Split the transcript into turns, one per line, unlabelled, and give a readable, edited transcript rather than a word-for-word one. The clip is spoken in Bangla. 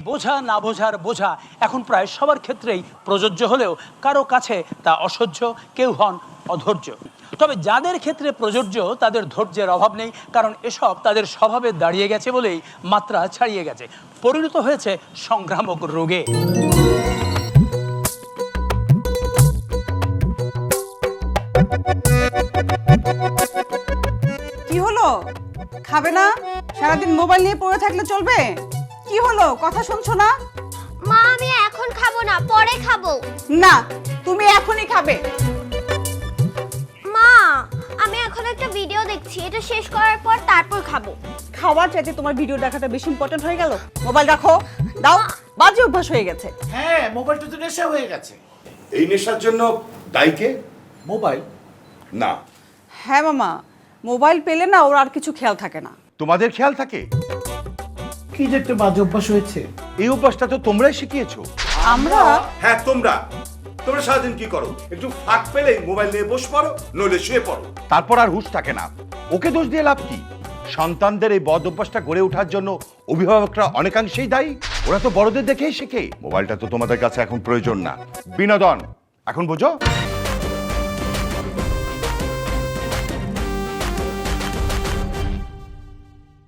বোঝা না বোঝার বোঝা এখন প্রায় সবার ক্ষেত্রেই প্রযোজ্য হলেও কারো কাছে তা অসহ্য, কেউ হন অধৈর্য। তবে যাদের ক্ষেত্রে প্রযোজ্য তাদের ধৈর্যের অভাব নেই, কারণ এসব তাদের স্বভাবে দাঁড়িয়ে গেছে বলেই মাত্রা ছাড়িয়ে গেছে, পরিণত হয়েছে সংক্রামক রোগে।
কি হলো, খাবে না? সারাদিন মোবাইল নিয়ে পড়ে থাকলে চলবে? কি হলো, কথা শুনছো না?
মা আমি এখন খাবো না, পরে খাবো।
না, তুমি এখনই খাবে।
মা আমি এখন একটা ভিডিও দেখছি, এটা শেষ করার পর তারপর খাবো।
খাওয়ার চাইতে তোমার ভিডিও দেখাটা বেশি ইম্পর্টেন্ট হয়ে গেল। মোবাইল রাখো, দাও, বাজে অভ্যাস হয়ে গেছে।
হ্যাঁ, মোবাইলটা তো নেশা হয়ে গেছে।
এই নেশার জন্য দায়ী কে?
মোবাইল
না,
হ্যাঁ মামা, মোবাইল পেলে না ওর আর কিছু খেয়াল থাকে না।
তোমাদের খেয়াল থাকে?
কি যে একটা বাজে অভ্যাস হয়েছে।
এই অভ্যাসটা তো তোমরাই শিখিয়েছো।
আমরা?
হ্যাঁ, তোমরা সারাদিন কি করো? একটু ফাঁক পেলেই মোবাইল নিয়ে বসে পড়ো, নইলে শুয়ে পড়ো, তারপর আর হুঁশ থাকে না। ওকে দোষ দিয়ে লাভ কি? সন্তানদের এই বদ অভ্যাসটা গড়ে ওঠার জন্য অভিভাবকরা অনেকাংশেই দায়ী। ওরা তো বড়দের দেখেই শেখে। মোবাইলটা তো তোমাদের কাছে এখন প্রয়োজন না, বিনোদন। এখন বোঝো?